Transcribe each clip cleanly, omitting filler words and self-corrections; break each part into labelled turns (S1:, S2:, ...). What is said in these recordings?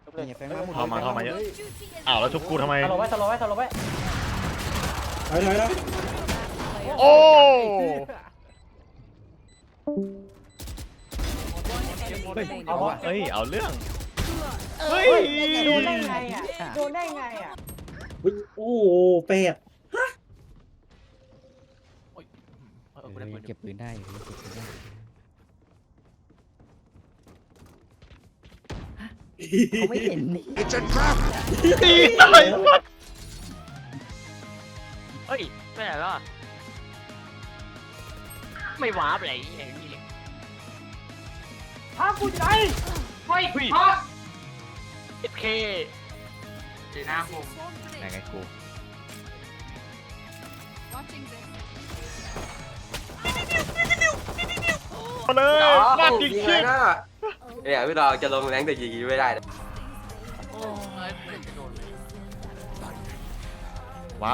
S1: นี่แฟงมาหมด
S2: เข้ามาเยอะอ้าวแล้วชุบกูทำไม
S3: สโลว์ไว้
S1: ถอย
S2: โอ้
S3: เอาวะ
S2: เฮ้ยเอาเรื่องเฮ้ย
S3: โดนได้ไงอ่ะโดนได้ไงอ่ะ
S1: โอ้โหเป็ด
S4: เก็บปืนได้เก็บปืนได้เขาไม่เห็นนี่
S2: ตีตาย
S5: เฮ้ยไปไหนแล้วไม่วาร์ปอะไรอย่างนี้เลย
S3: พากูใจ
S5: เฮ้ยฮะเอฟเคเจน่าผม
S2: ไหนไงกูมาเลยมาจริงจริง
S6: เนี่ยพี่เราจะลงแรงแต่ยิงไม่ได้นะ
S5: โอ้ยไม่จะโดนเลย
S2: วับ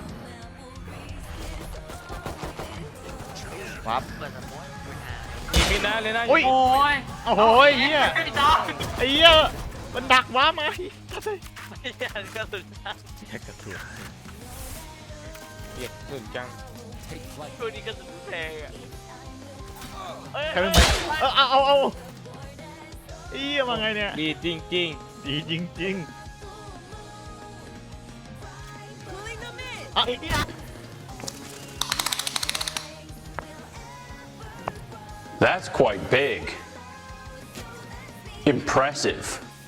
S5: เปิดสมอง
S2: มีนะเลยนะ
S5: โอ้ย
S2: โอ้โหเฮีย
S5: พี่จอม
S2: ไอ้เฮียมันดักว้ามา
S5: ไม่ใช่กระสุน
S2: แค่กระสุนเรียกสุดจัง
S5: ตัวนี้กระสุนแพงอ่ะ
S2: ใครเป็นไหมเอาเฮียมาไงเนี่ยดีจริงดีจริงอ่ะ
S7: That's quite big. Impressive.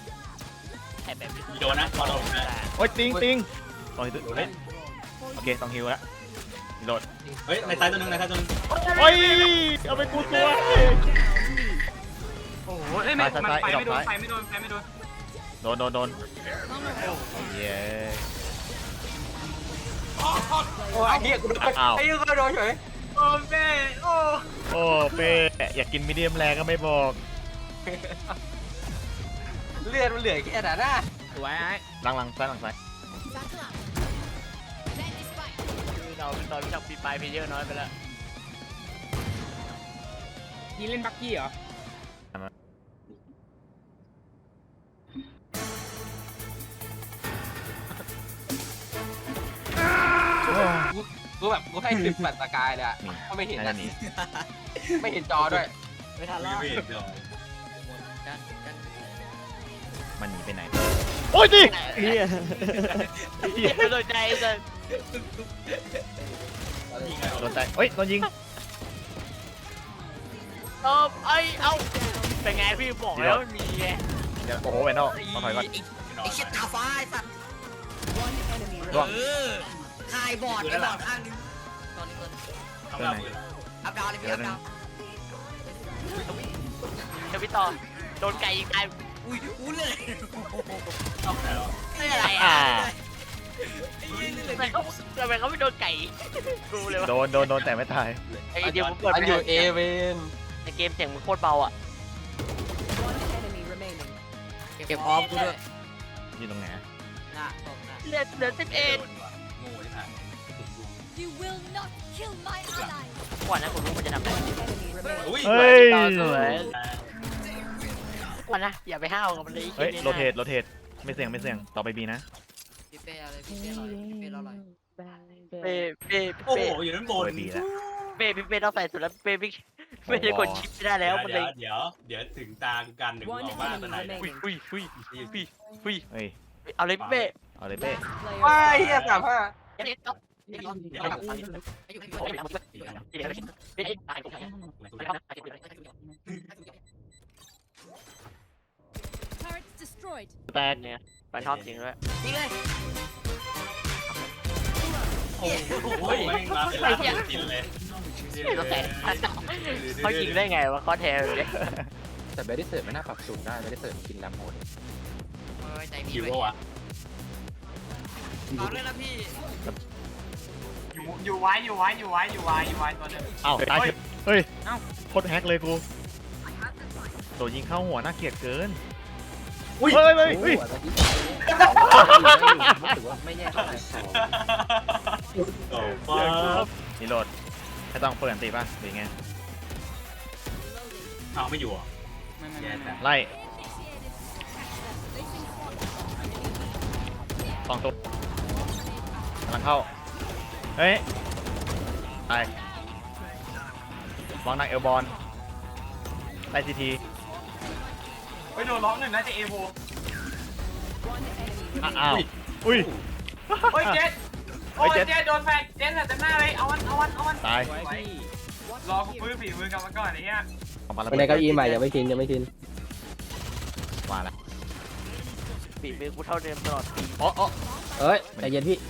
S5: โดนนะโดนนะ
S2: โอ้ยติงต่อยเฮ้ยโอเคต้องฮิวแล้วโดด
S8: เฮ้ยในซ้ายตัวนึงในซ้ายตัวนึง
S2: โอ้ยเอาไปกูตัว
S5: โอ้โหไม่มันไปไม่โดนไปไม่โดน
S2: โดนเย้
S6: โอ้ยเฮียกูโดนไอ้ยูก็โดนเฉย
S5: โอ้แม่โอ้
S2: โอ้เป้อยากกินมีเดียมแรงก็ไม่บอก
S6: เลือดมันเหลือแค่ไหนนะ
S5: สวยไอ้
S2: หลังซ้าย
S5: เราตอนที่ทำปีปลายเพเยอร์น้อยไปแล้ว
S3: นี่เล่นบักกี้เหรอ
S6: กูแบบกูให้10ปัดตะกายเลยอ่ะเขาไม่เห็น
S2: น่า
S6: นะ
S2: จะหนี
S6: ไม่เห็นจอด้วย
S3: ไม่ทันแล้ว
S8: ไม่เห็นเลย
S2: มันหนีไปไหนโอ้ยดิเฮีย
S5: ไม่สนใจเลย
S2: โดนใจเฮ้ยโดนยิง
S5: ไอ้เอาเป็นไงพี่บอกแล้วมีไง
S2: เดี๋ยวโอ้โหแวนนอลต้องถอยก่อน
S4: ไอ้เช็ดตาฟ้าไอ้สัตว์
S2: ร่วง
S4: คายบอดไอ้บอดข้างนึง
S8: ทำเราปืน
S4: อัพดาวเลยพี่อัพดาว
S5: เดี๋ยวพี่ต่อโดนไก่ยิงตาย
S4: อุ้ยอู้เลย
S8: ต้องไหนหรอ
S5: ไม่อะไรอ่ะทำไมเขาไม่โดนไก่กูเลยวะ
S2: โดนแต่ไม่ตาย
S5: ไอ้เดี๋ยวผมเปิด
S6: มันอยู่เอเวน
S5: ในเกมเสียงมันโคตรเบาอ่ะ
S4: เก็บออฟกูด้วย
S2: อยู่ตรงไหน
S4: น่ะตกน่ะ
S5: เหลือ11
S8: โง่ที่ผ่าน
S9: You will not kill my ally.
S5: ก่อนนะผมรู้มันจะทำอะไร
S8: อุ้ย
S2: เฮ้ย
S5: สวยก่อนนะอย่าไปห้าวกับมันเลย
S2: เฮ้ยโรเทตไม่เสี่ยงต่อไปบีนะ
S4: พี่เป้อะไรพี่เป้อร่อยพี่เป้อร่อย
S5: เป้
S8: โอ้โหอยู่ด้านบ
S2: ต่อน ไปบีแล้ว
S5: พี่เป้ต้องใส่สุดแล้วเป้ไม่ได้กดชิปไม่ได้แล้วมันเลย
S8: เดี๋ยวถึงตากันเดี๋ยวออกมาตอนไหน
S5: อุ้ย
S2: เฮ้ย
S5: เอาเลยพี่เป้
S2: เอาเลยเป้
S6: ว้ายเฮีย35
S9: Turrets destroyed.
S2: แตก
S5: เนี่ยไปชอบจริงด้วย
S4: นี่เลย
S8: โอ้ยไม่มาเป็นร้านกินเลย
S5: เขายิงได้ไงวะเขาแทนเลย
S6: แต่เบดิเซอร์ไม่น่าปรับสูงได้เบดิเซอร์กินน้ำโหด
S4: โอ้ยใจพี่
S8: คิว
S4: ไป
S8: วะ
S4: เอาเลยนะพี่
S3: อยู่ไว้ตัวนึง
S2: เอ้าตายเฮ้ยโคตรแฮกเลยกูโดนยิงเข้าหัวน่าเกลียดเกินเฮ้ย
S6: รู้สึกว่าไม่แย่เท่าไหร่
S8: โอ้ฟ้า
S2: นี่โหลดให้ต้องเปิดอันตีป่ะหรือไง
S8: เอาไม่อยู่อ่ะ
S2: ไล่ 2 ตัวกำลังเข้าเฮ้ยไปวางนางเอลบอลไล่ซีที
S3: ไปโดนล็อกหนึ่งน่าจะเอโว
S2: อ้าวอุ้ย
S3: โอ้ยเจ็ดโอ้ยเจ็ดโดนแฟนเจ็ดแต่หน้าเลยเอามัน
S2: ตาย
S3: รอกูฟื้นฝีมือกลับมาก่อนไอ้เหี้ย
S2: ออกมาแล้ว
S4: ไปในเก้าอี้ใหม่ยังไม่ชินยังไม่ชิน
S2: มาแล้ว
S5: ฝีมือกูเท่าเดิมตลอดปี
S2: อ๋อ
S4: เอ้ยใจเย็นพี่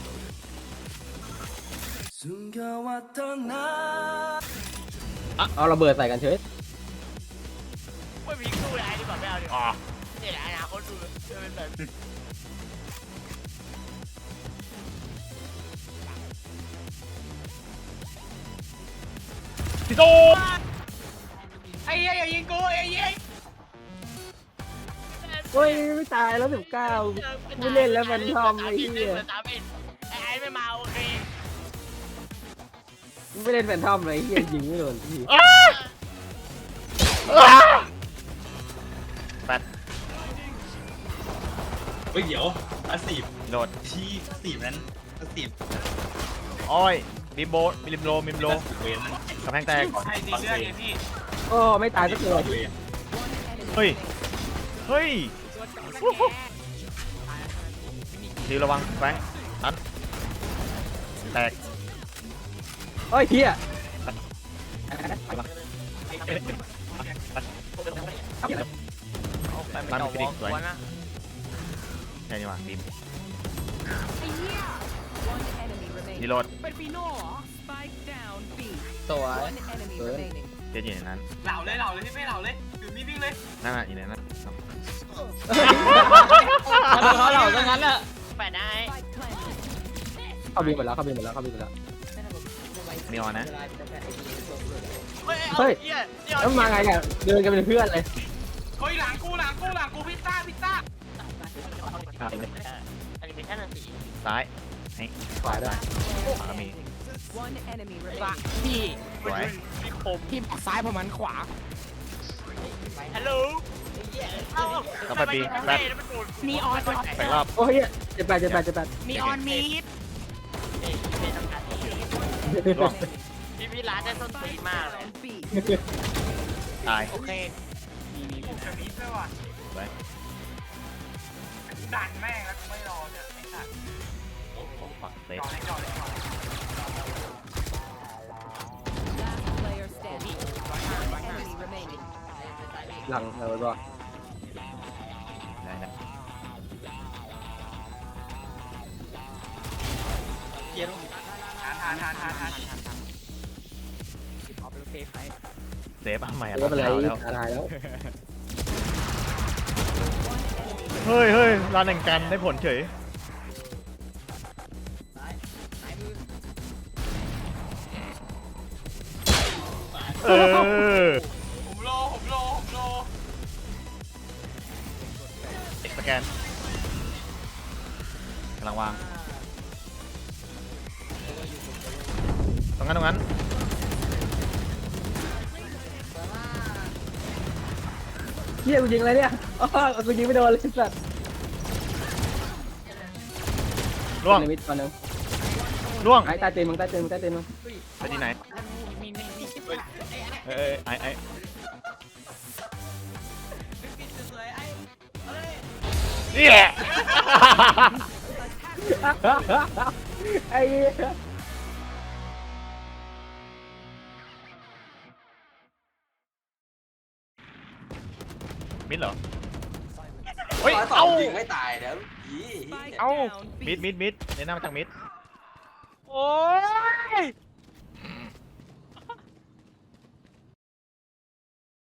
S4: เอาระเบิดใส่กันเฉย
S5: ไม่มีสู้อะไรดีกว่าไม่เอาดีก
S2: อ๋อ
S5: ว่าเนี่ยแหละอนาคตดูเป็นแบบ
S2: พี่โต
S3: ไอ้เหี้ยอย่ายิงกูไอ้เหี้ย
S4: โอ้ยไม่ตายแล้ว19ไม่เล่นแล้วมันทอมไอ้เหี้ย
S5: ไอ้ไม่มาโอเค
S4: ไม่เล่นแฟนทอมเลยเหี้ยยิงไม่โดนพี่
S2: แปด
S8: เฮ้ยเดี๋ยวอาสีบ
S2: โดด
S8: ที่อาสีบนั้นอาสีบ
S2: อ้อยมิมโบมิมโล
S8: เวนนั้น
S2: กำแพงแตก
S3: ใครตีเลือดไงพี่
S4: โอ้ไม่ตายสักตัว
S8: เวน
S2: เฮ้ยดีระวังแฟงอันแตก
S4: โอ้ยเหี้ย
S2: มันฟินิกสวยใช่นี่หว่าทีมดีโหลด
S4: สวย
S2: เจ๊อยู่ในนั้น
S3: เหล่าเลยพี่เป้เหล่าเลยอยู่นิ่งๆเลย
S2: นั่นน่ะอยู่ในนั้น
S4: เขาเหล่าซะงั้นแหละ
S5: แปดได้
S4: เข้าบินหมดแล้ว
S2: มีออนนะ
S4: เฮ้ย แล้วมาไงเนี่ยเดินกันเป็นเพื่อนเลย
S3: เฮ้ยหลังกูพิซซ่า
S5: อันนี้เป็นแค่หนังสี
S2: ซ้ายให้
S4: ขวาได้
S2: ขวาก็มี
S5: พี่
S2: สวย
S5: พี่คม
S4: พี่บอกซ้ายผมมันขวา
S5: ฮัลโหล
S2: แล้วไปปีแปด
S5: นีออน
S2: แปดรอบ
S4: โอ้ยเจ็ดแปด
S5: นีออนมีดเป็นทำการที่
S2: ร่วง
S5: พี่ร้านได้ส้นตีนมากเลย
S2: ตาย
S5: โอเค
S3: มีจะมีด้วยว่ะ
S2: สวย
S3: ดันแม่งแล้วกูไม่รอเนี่ยไอ้สัตว์
S2: ปักเซฟ
S3: จ่อเลย
S4: หลังเราบอก
S2: ได้นะ
S3: ทาน
S2: เซฟเอาใหม่
S4: ไม่เป็นไร
S2: แล้ว
S4: ตายแล้ว
S2: เฮ้ยร้านแห่งกันได้ผลเฉยเออ
S3: ผมโล
S2: เอ็กสแกนกำลังวางตรงนั้น
S4: เฮียกูยิงอะไรเนี่ยอ๋อกูยิงไม่โดนเลยสัตว์
S2: ล่วง
S4: มิดก่อนนึง
S2: ล่วง
S4: ไอ้ใต้ตีนมึง
S2: ไปที่ไหนไอ้เนี่ย
S4: ไอ้เหี้ย
S2: มิดเหรอเฮ้ยเอ้า
S6: ยิงให้ตายแล้วยี่
S2: เอ้ามิดในหน้ามาจากมิด
S5: โอ้ย